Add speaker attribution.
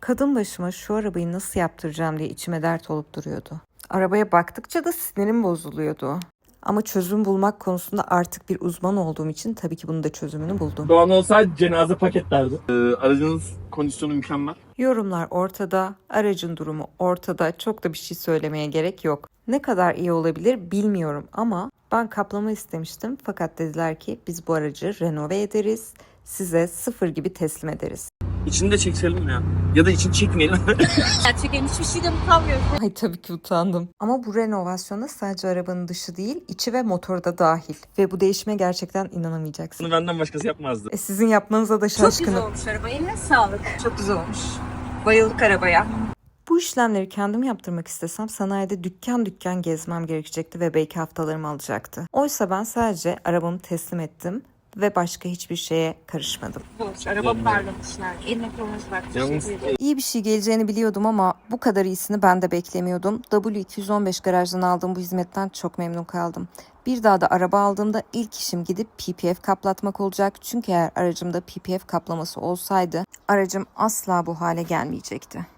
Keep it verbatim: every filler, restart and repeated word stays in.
Speaker 1: Kadın başıma şu arabayı nasıl yaptıracağım diye içime dert olup duruyordu. Arabaya baktıkça da sinirim bozuluyordu. Ama çözüm bulmak konusunda artık bir uzman olduğum için tabii ki bunun da çözümünü buldum.
Speaker 2: Doğan olsaydı cenaze paketlerdi. Ee, aracınız kondisyonu mükemmel.
Speaker 1: Yorumlar ortada, aracın durumu ortada. Çok da bir şey söylemeye gerek yok. Ne kadar iyi olabilir bilmiyorum ama ben kaplama istemiştim. Fakat dediler ki biz bu aracı renove ederiz, size sıfır gibi teslim ederiz.
Speaker 2: İçini de çekelim ya. Ya da içini çekmeyelim.
Speaker 3: Gerçekten hiçbir şeyden utanmıyorum.
Speaker 1: Ay tabii ki utandım. Ama bu renovasyonda sadece arabanın dışı değil, içi ve motoru da dahil. Ve bu değişime gerçekten inanamayacaksın.
Speaker 2: Bunu benden başkası yapmazdı.
Speaker 1: E sizin yapmanıza da
Speaker 3: Çok güzel
Speaker 1: şaşkınım.
Speaker 3: olmuş araba. Eline sağlık. Çok güzel olmuş. Bayıldık arabaya.
Speaker 1: Bu işlemleri kendim yaptırmak istesem sanayide dükkan dükkan gezmem gerekecekti ve belki haftalarımı alacaktı. Oysa ben sadece arabamı teslim ettim ve başka hiçbir şeye karışmadım.
Speaker 3: Hoş. Araba parlamışlar. Eline koluna sağlık.
Speaker 2: Yalnız
Speaker 3: Teşekkür ederim.
Speaker 1: İyi bir şey geleceğini biliyordum ama bu kadar iyisini ben de beklemiyordum. W iki yüz on beş garajdan aldığım bu hizmetten çok memnun kaldım. Bir daha da araba aldığımda ilk işim gidip P P F kaplatmak olacak. Çünkü eğer aracımda P P F kaplaması olsaydı aracım asla bu hale gelmeyecekti.